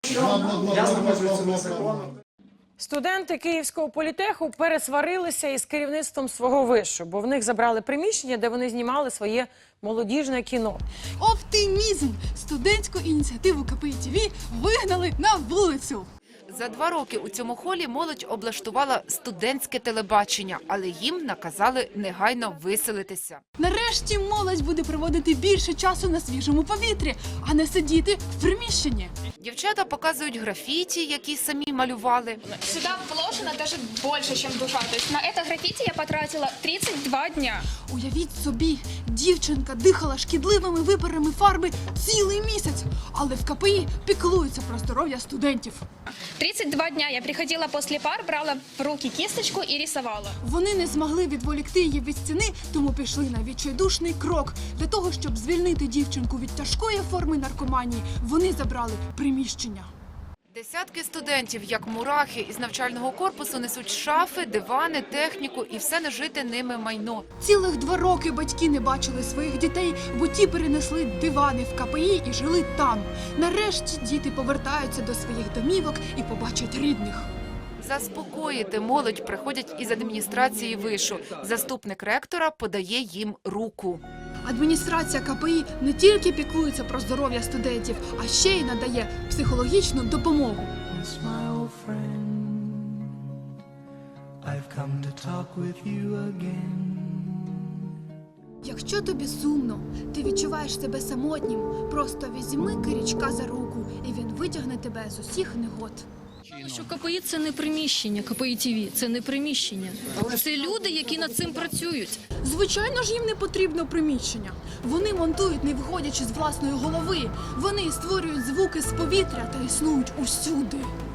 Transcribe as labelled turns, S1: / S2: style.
S1: Студенти Київського політеху пересварилися із керівництвом свого вишу, бо в них забрали приміщення, де вони знімали своє молодіжне кіно.
S2: Оптимізм! Студентську ініціативу КПІ ТВ вигнали на вулицю.
S3: За 2 роки у цьому холі молодь облаштувала студентське телебачення, але їм наказали негайно виселитися.
S2: Нарешті молодь буде проводити більше часу на свіжому повітрі, а не сидіти в приміщенні.
S3: Дівчата показують графіті, які самі малювали.
S4: Сюда вложено даже больше, чем душа. То есть на это граффити я потратила 32 дня.
S2: Уявіть собі, дівчинка дихала шкідливими випарами фарби цілий місяць, але в КПІ піклуються про здоров'я студентів.
S4: 32 дня я приходила после пар, брала в руки кисточку и рисовала.
S2: Вони не змогли відволікти її від стіни, тому пішли на відчайдушний крок. Для того, щоб звільнити дівчинку від тяжкої форми наркоманії, вони забрали приміщення.
S3: Десятки студентів, як мурахи, із навчального корпусу несуть шафи, дивани, техніку і все нажите ними майно.
S2: Цілих 2 роки батьки не бачили своїх дітей, бо ті перенесли дивани в КПІ і жили там. Нарешті діти повертаються до своїх домівок і побачать рідних.
S3: Заспокоїти молодь приходять із адміністрації вишу. Заступник ректора подає їм руку.
S2: Адміністрація КПІ не тільки піклується про здоров'я студентів, а ще й надає психологічну допомогу. Якщо тобі сумно, ти відчуваєш себе самотнім, просто візьми Киричка за руку, і він витягне тебе з усіх негод.
S5: Що КПІ – це не приміщення, КПІ ТВ – це не приміщення. Це люди, які над цим працюють.
S2: Звичайно ж, їм не потрібно приміщення. Вони монтують, не виходячи з власної голови. Вони створюють звуки з повітря та існують усюди.